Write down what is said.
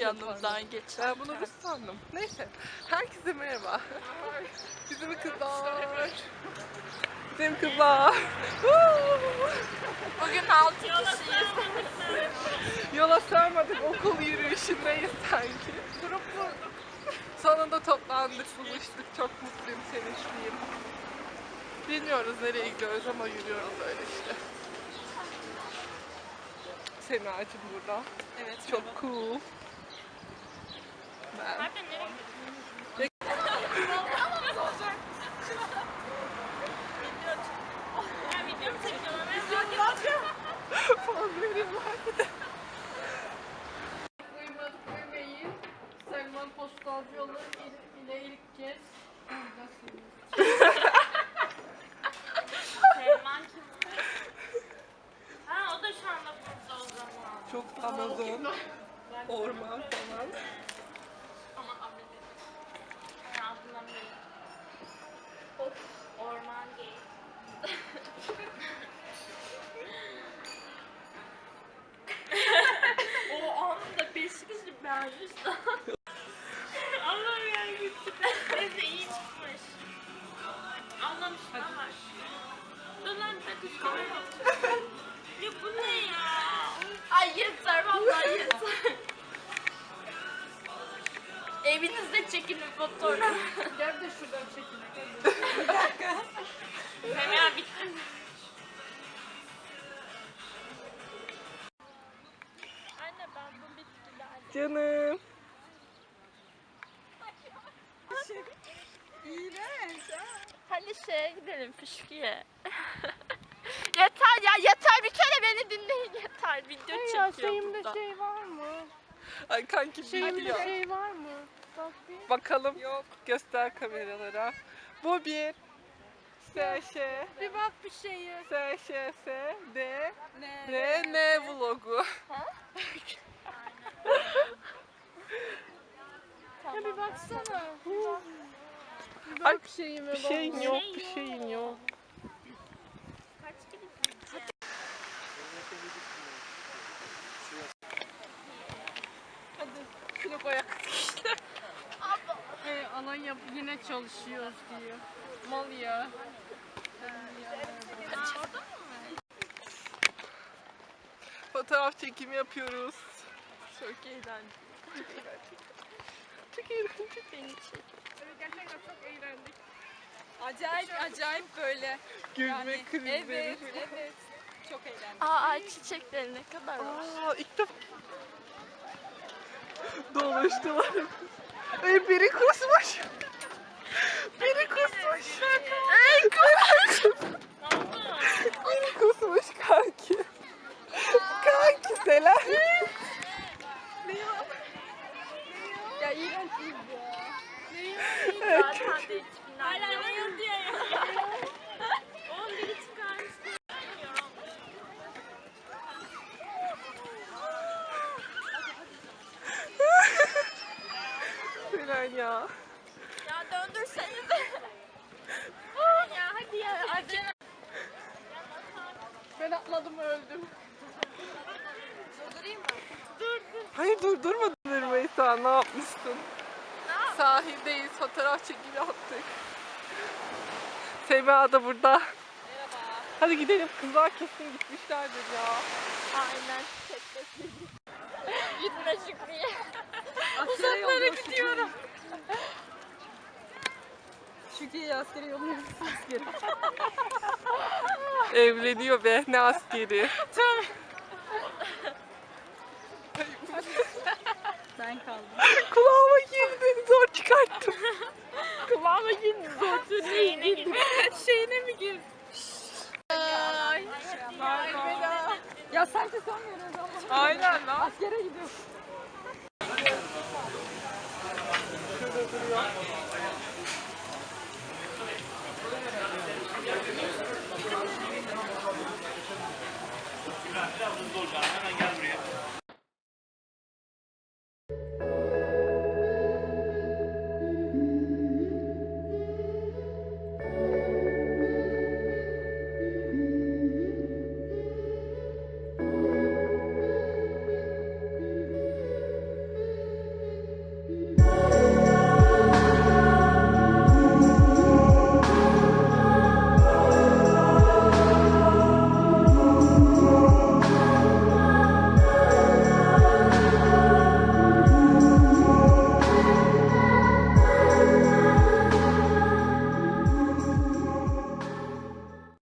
yanımdan geçer. Ben bunu Rus sandım. Neyse. Herkese merhaba. Bizim kızlar. Bizim kızlar. Bugün 6 kişiyiz. Yola sarmadık, okul yürüyüşündeyiz sanki. Durup durduk. Sonunda toplandık, buluştuk. Çok mutluyum, sevinçliyim. Bilmiyoruz nereye gidiyoruz ama yürüyoruz öyle işte. Sema'cığım burada. Evet. Çok cool. Ben. Uyumayın. Selman Postalcı yolu ile ilk kez buradasınız. Selman kim? Ha o da şu anda burada o zaman. Çok Amazon, orman falan. Ama abone. Ben anlamıyorum. Orman gay. O anda Beşiktaş'ı beğenmiş. Allah'ım ya gitti. Neyse iyi çıkmış. Anlamışlar var. Dur lan bir dakika. Ya bu ne ya? Ay yeter vallahi yeter. Evinizde çekinin fotoğraf. Gel de şuradan çekin. Bir dakika. Hemen bitti. Anne ben bu bitkilerle... Canım. Hadi şeye gidelim fışkiye. Yeter ya yeter bir kere beni dinleyin yeter. Video çekiyor Şeyimde burada. şey var mı? Ay kanki Şeyimde biliyor. şey var mı? Bak bir. Bakalım. Yok. Göster kameralara. Bu bir. S-Ş. Bir bak bir şeye. S-Ş-S. D. Ne? R. N vlogu. Ya bir baksana. Bir Ay, bak şeyime Bir şeyin bak. yok. Bir şeyin yok. Kaç gibi gideceğiz? Hadi. Şunu koyak. Alanya yine çalışıyoruz diyor. Mal ya. Fotoğraf çekimi yapıyoruz. Çok eğlenceli. Çok eğlenceli. Beni çek. Gerçekten çok eğlendik. Acayip böyle. Gülme krizleri. Evet. Çok eğlendim. Aa çiçekleri ne kadar var. Aa, ilk defa dolaştılar. Ay biri kusmuş. Biri kusmuş. Ey Biri kusmuş kanki. Kanki selam. Ya iğrençiz ya. Zaten de 2000'ler. Hala ne yazıyor ya? 11'i çıkarmıştı. Selam ya. Ya döndürsenize. Ya hadi ya. Acele. Ben atladım öldüm. Durdurayım mı? Hayır durdurmadın Rümeysa, ne yapmışsın? Sahildeyiz, fotoğraf çekimi yaptık. Sema da burada. Merhaba. Hadi gidelim, kızlar kesin gitmişlerdir ya. Aynen. Gitme Şükriye. Uzaklara gidiyorum. Şükrü'ye askere yolluyoruz. Askere. Evleniyor be, ne askeri. Ben kaldım. Kulağıma girdi, zor çıkarttım. Kulağıma girdi zor. Şeyine girdi. Şeyine mi girdin? Ay. Ya sanki son veriyoruz ama. Aynen lan. Askere gidiyoruz. Şurada duruyor.